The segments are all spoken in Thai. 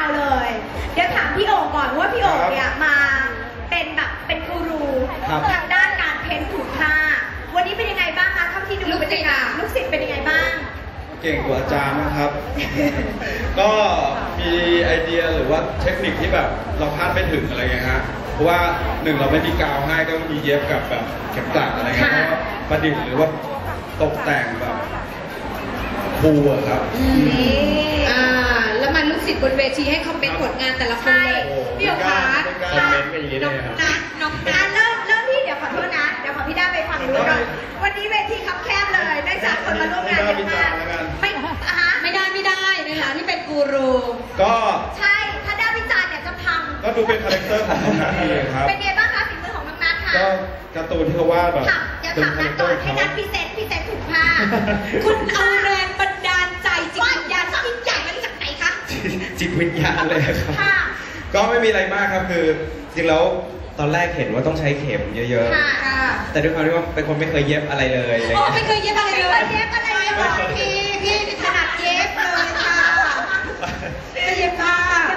าวเลยเดี๋ยวถามพี่โอ๋ก่อนว่าพี่โอ๋เนี่ยมาเป็นแบบเป็นกูรูทางด้านการเพ้นท์ถูกผ้าวันนี้เป็นยังไงบ้างคะเท่าที่ดูลูกศิษย์เป็นยังไงบ้างเก่งกว่าอาจารย์นะครับ ก็มีไอเดียหรือว่าเทคนิคที่แบบเราคาดไม่ถึงอะไรเงี้ยฮะเพราะว่าหนึ่งเราไม่มีกาวให้ก็มีเย็บกับแบบเข็มกลัดอะไรเงี้ยก็ประดิษฐ์หรือว่าตกแต่งแบบคูลอะครับแล้วมันลูกศิษย์บนเวทีให้คอมเมนต์ผลงานแต่ละคนเลยพี่โอ๋คะคอมเมนต์กันอย่างนี้เลยครับน้องเริ่มที่เดี๋ยวขอโทษนะเดี๋ยวขอพี่ด้าไปฟังดูก่อนวันนี้เวทีคับแคบเลยได้จากคนมาร่วมงานเยอะมากไม่ได้ในฐานะที่เป็นกูรูก็ใช่ถ้าด้าวิจารณ์เนี่ยจะพังก็ดูเป็นคาแรคเตอร์ของน้องนัทเองครับเป็นไงบ้างคะฝีมือของน้องนัทค่ะก็การ์ตูนที่เขาวาดแบบอย่าถามนัทก่อนให้นัทพรีเซนต์ถูกผ้าคุณเอาแรงบันดาลใจจิตวิญญาณยิ่งใหญ่มาจากไหนคะจิตวิญญาณเลยครับก็ไม่มีอะไรมากครับคือจริงแล้วตอนแรกเห็นว่าต้องใช้เข็มเยอะๆแต่ด้วยความที่ว่าเป็นคนไม่เคยเย็บอะไรเลยไม่เคยเย็บอะไรเลยพี่ถนัดเย็บเลยค่ะเย็บผ้า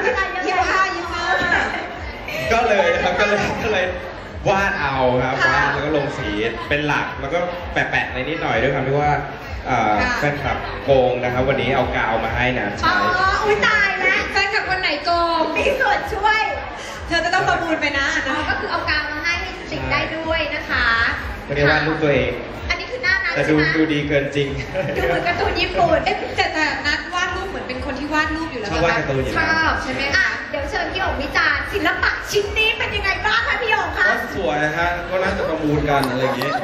ก็เลยครับก็เลยวาดเอาครับวาดแล้วก็ลงสีเป็นหลักแล้วก็แปะๆอะไรนิดหน่อยด้วยความที่ว่าแฟนคลับโกงนะครับวันนี้เอากาวมาให้นะใช่อุ้ยตายแล้วแฟนคลับคนไหนโกงมีส่วนช่วยเธอจะต้องประมูลไปนะก็คือเอากาวมาให้ติดได้ด้วยนะคะไม่ได้วาดรูปตัวเองอันนี้คือหน้านัทแต่ดูดีเกินจริงดูเหมือนการ์ตูนญี่ปุ่นแต่นัทวาดรูปเหมือนเป็นคนที่วาดรูปอยู่แล้วชอบวาดการ์ตูนอยู่แล้วชอบใช่ไหมคะเดี๋ยวเชิญพี่โอ๋วิจารณ์ศิลปะชิ้นนี้เป็นยังไงบ้างคะพี่โอ๋คะก็สวยฮะก็น่าจะประมูลกันอะไรอย่างงี้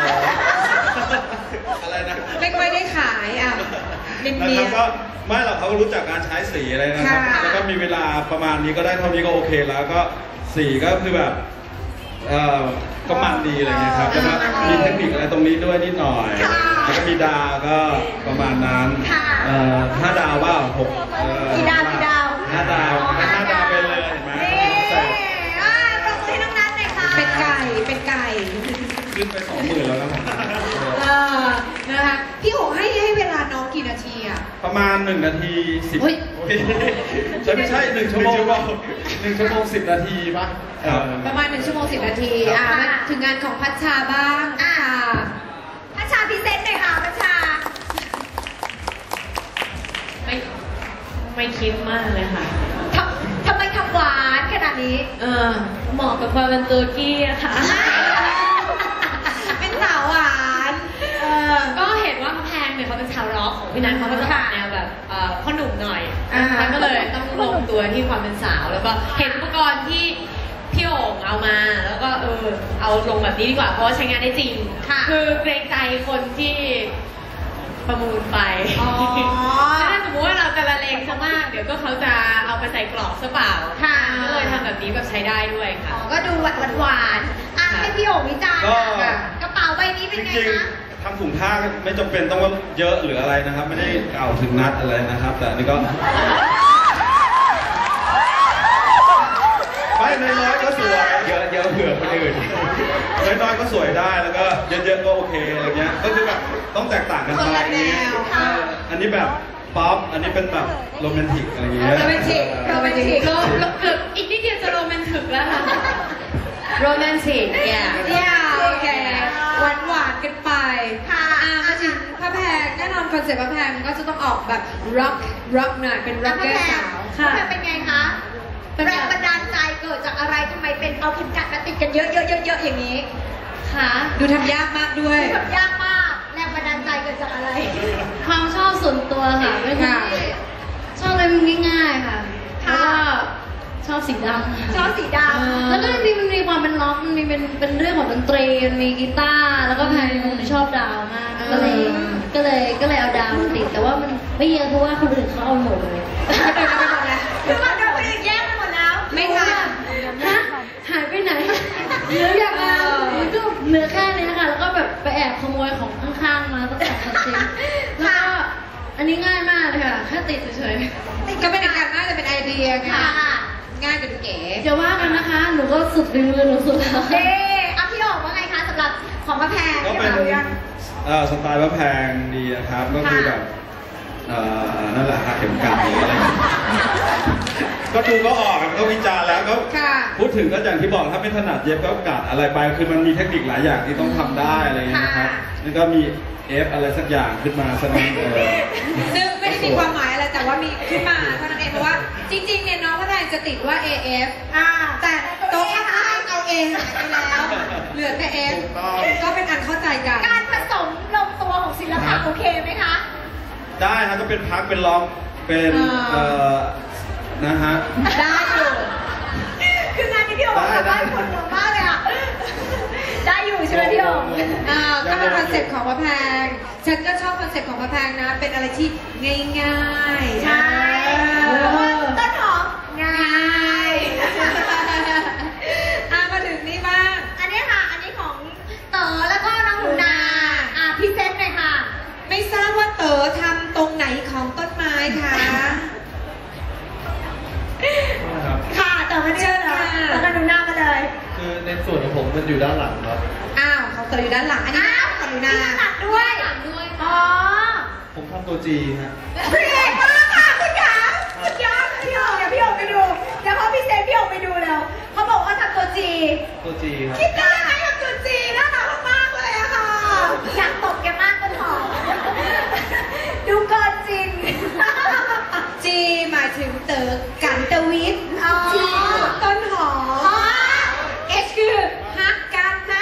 อะไรนะไม่ค่อยได้ขายนะครับก็ไม่หรอกเขารู้จักการใช้สีอะไรนะครับแล้วก็มีเวลาประมาณนี้ก็ได้เท่านี้ก็โอเคแล้วก็สีก็คือแบบก็มันดีอะไรเงี้ยครับแล้วก็มีเทคนิคอะไรตรงนี้ด้วยนิดหน่อยแล้วก็มีดาวก็ประมาณนั้น5 ดาวว่า6 กี่ดาว 5 ดาวไปเลยเห็นไหมปรบมือให้น้องนัทหน่อยค่ะเป็นไก่ขึ้นไป20,000แล้วนะนะคะพี่โอ๋ให้เวลาน้องกี่นาทีอะประมาณ1 นาที10ไม่ใช่1 ชั่วโมง1 ชั่วโมง10 นาทีป่ะประมาณ1 ชั่วโมง10 นาทีถึงงานของพัชชาบ้างพัชชาพรีเซนต์หน่อยค่ะพัชชาไม่คิดมากเลยค่ะทำไมทำหวานขนาดนี้เหมาะกับความเป็นตัวกี้อะค่ะเป็นสาวหวานก็เห็นว่าแพงเนี่ยเขาเป็นชาวร็อกของพี่นัทเขาก็จะออกแนวแบบพ่อหนุ่มหน่อยก็เลยต้องลงตัวที่ความเป็นสาวแล้วก็เห็นอุปกรณ์ที่พี่โอ่งเอามาแล้วก็เอาลงแบบนี้ดีกว่าเพราะว่าใช้งานได้จริงคือเกรงใจคนที่ประมูลไปถ้าสมมติว่าเราจะละเลงซะมากเดี๋ยวก็เขาจะเอาไปใส่กรอบซะเปล่าก็เลยทำแบบนี้แบบใช้ได้ด้วยค่ะก็ดูหวานให้พี่โอ่งวิจารณ์กระเป๋าใบนี้เป็นไงคะทำถุงผ้าไม่จำเป็นต้องว่าเยอะหรืออะไรนะครับไม่ได้กล่าวถึงนัดอะไรนะครับแต่นี่ก็ไม่น้อยๆก็สวยเยอะเผื่อคนอื่นน้อยๆก็สวยได้แล้วก็เยอะๆก็โอเคอะไรเงี้ยก็คือแบบต้องแตกต่างกันไปอันนี้แบบป๊อปอันนี้เป็นแบบโรแมนติกอะไรเงี้ยโรแมนติกเกือบอีกนิดเดียวจะโรแมนติกแล้วค่ะโรแมนติกโอเคหวานกันไปมาถึงพระแพงแน่นอนคอนเซ็ปต์พระแพงก็จะต้องออกแบบร็อกหน่อยเป็นร็อกเกอร์สาวพระแพงเป็นไงคะแรงบันดาลใจเกิดจากอะไรทำไมเป็นเอาเข็มกลัดมาติดกันเยอะอย่างนี้ค่ะดูทำยากมากด้วยทำยากมากแรงบันดาลใจเกิดจากอะไรความชอบส่วนตัวค่ะไม่ใช่ชอบอะไรมันง่ายๆค่ะแล้วก็ชอบสีดำแล้วก็มันมีความเป็นล็อกมันมีเป็นเรื่องของดนตรีมันมีกีตาร์แล้วก็แพนชอบดาวมากก็เลยเอาดาวมาติดแต่ว่ามันไม่เยอะเพราะว่าคนอื่นเขาเอาหมดเลยคือมันโดนคนอื่นแย่งไปหมดแล้วไม่ค่ะหายไปไหนเหลืออย่างมันก็เหลือแค่นี้ค่ะแล้วก็แบบไปแอบขโมยของข้างๆมาตั้งแต่คอนเซ็ปต์แล้วก็อันนี้ง่ายมากเลยค่ะแค่ติดเฉยๆก็เป็นการน่าจะเป็นไอเดียค่ะง่ายกับเก๋จะว่ากันนะคะหนูก็สุดฝีมือหนูสุดแล้วพี่โอ๋ว่าไงคะสำหรับของพระแพงก็เป็นสไตล์พระแพงดีนะครับก็คือแบบนั่นแหละค่ะเข็มกลัดอะไรก็ดูก็ออกก็วิจารณ์แล้วก็ค่ะพูดถึงก็อย่างที่บอกถ้าไม่ถนัดเย็บก็กัดอะไรไปคือมันมีเทคนิคหลายอย่างที่ต้องทำได้อะไรอย่างเงี้ยนะครับนี่ก็มีเอฟอะไรสักอย่างขึ้นมาสักนิดซึ่งไม่ได้มีความหมายอะไรแต่ว่ามีขึ้นมาเท่านั้นเองเพราะว่าจริงๆเนี่ยน้องพระแพงจะติดว่า AF แต่โต๊ะข้างๆเอา A หายไปแล้วเหลือแต่ F ก็เป็นอันเข้าใจกันการผสมลงตัวของศิลปะโอเคไหมคะได้ครับก็เป็นพักเป็นร้องเป็นนะฮะได้อยู่คืองานนี้พี่โอ๋ได้ผลดีมากเลยอ่ะได้อยู่ใช่ไหมพี่โอ๋ก็เป็นคอนเซ็ปต์ของพระแพงฉันก็ชอบคอนเซ็ปต์ของพระแพงนะเป็นอะไรที่ง่ายๆใช่ต้นหอมง่ายมาถึงนี่บ้างอันนี้ค่ะอันนี้ของเต๋อแล้วก็น้องหนูนาพรีเซนต์หน่อยค่ะไม่ทราบว่าเต๋อทำตรงไหนของต้นไม้คะค่ะเต๋อมาเชิญค่ะแล้วก็หนูนามาเลยคือในส่วนของผมมันอยู่ด้านหลังครับของเต๋ออยู่ด้านหลังอันนี้ของหนูนาด้านหลังด้วยอ๋อผมทำตัวจีฮะเก่งมากค่ะคุณขาสุดยอดพี่โอ๋เดี๋ยวพี่โอ๋ไปดูเดี๋ยวเขาพิเศษพี่โอ๋ไปดูแล้วเขาบอกว่าทำตัวจีครับคิดได้ไหมทำตัวจีน่ารักมากเลยอะค่ะอยากตบแกมากต้นหอมดูเกินจริงจีหมายถึงเต๋อกันตวิทย์จีต้นหอมเอชคือฮักกันนะ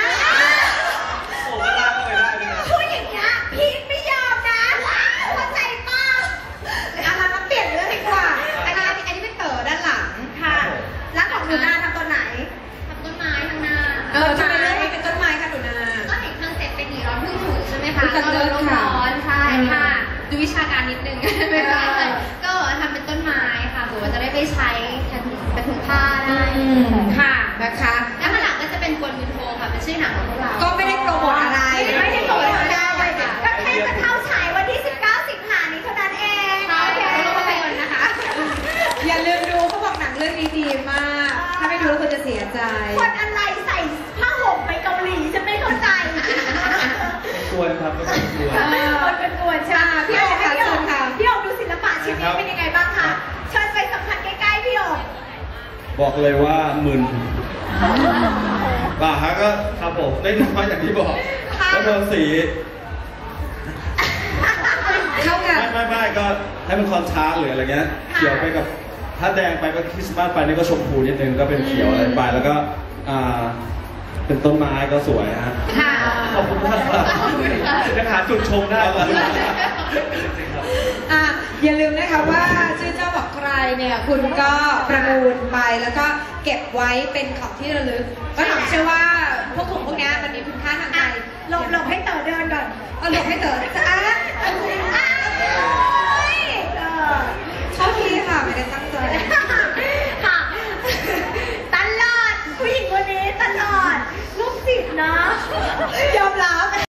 พูดอย่างเงี้ยพีทไม่ยอมนะเข้าใจป่ะมาเปลี่ยนเรื่องดีกว่าอันนี้เป็นเต๋อด้านหลังค่ะแล้วของหนูนาทำตัวไหนทำต้นไม้ข้างหน้าทำไมเรื่องนี้เป็นต้นไม้ค่ะหนูนาก็เห็นคอนเซ็ปต์เป็นหนีร้อนพึ่งถูกใช่ไหมคะก็เลยร้อนใช่ค่ะดูวิชาการนิดนึงไม่ใช่ก็ทำเป็นต้นไม้ค่ะหรือว่าจะได้ไปใช้เป็นถุงผ้าได้ค่ะนะคะแล้วข้างหลังก็จะเป็นกลยุทโธค่ะเป็นชื่อหนังของพวกเราก็ไม่ได้โปรโมทอะไรไม่ได้โปรโมทอะไรก็แค่จะเข้าฉายวันที่19 สิงหาคมนี้เท่านั้นเองโอเคนะคะอย่าลืมดูเขาบอกหนังเรื่องนี้ดีมากถ้าไม่ดูแล้วคุณจะเสียใจคนอะไรใส่ผ้าห่มไปเกาหลีจะไม่เข้าใจกวนครับก็เป็นกวนคนเป็นกวนใช่พี่โอ๋ค่ะพี่โอ๋ดูศิลปะชิ้นนี้เป็นยังไงบ้างคะเชิญไปสัมผัสใกล้ๆพี่โอ๋บอกเลยว่ามึนฮะก็ครับผมได้น้อยอย่างที่บอกแล้วโดนสีเข้ากันไม่ก็ให้มันคอนทราสต์หรืออะไรเงี้ยเขียวไปกับถ้าแดงไปก็คริสต์มาสไปนี่ก็ชมพูนิดนึงก็เป็นเขียวอะไรไปแล้วก็เป็นต้นไม้ก็สวยฮะขอบคุณมากครับยังหาจุดชมได้ครับอย่าลืมนะคะว่าชื่อเจ้าบอกใครเนี่ยคุณก็ประมูลไปแล้วก็เก็บไว้เป็นของที่ระลึกก็ถามเชื่อว่าพวกถุงพวกนี้มันมีคุณค่าทางใจหลบให้เต๋อเดินก่อนหลบให้เต๋อ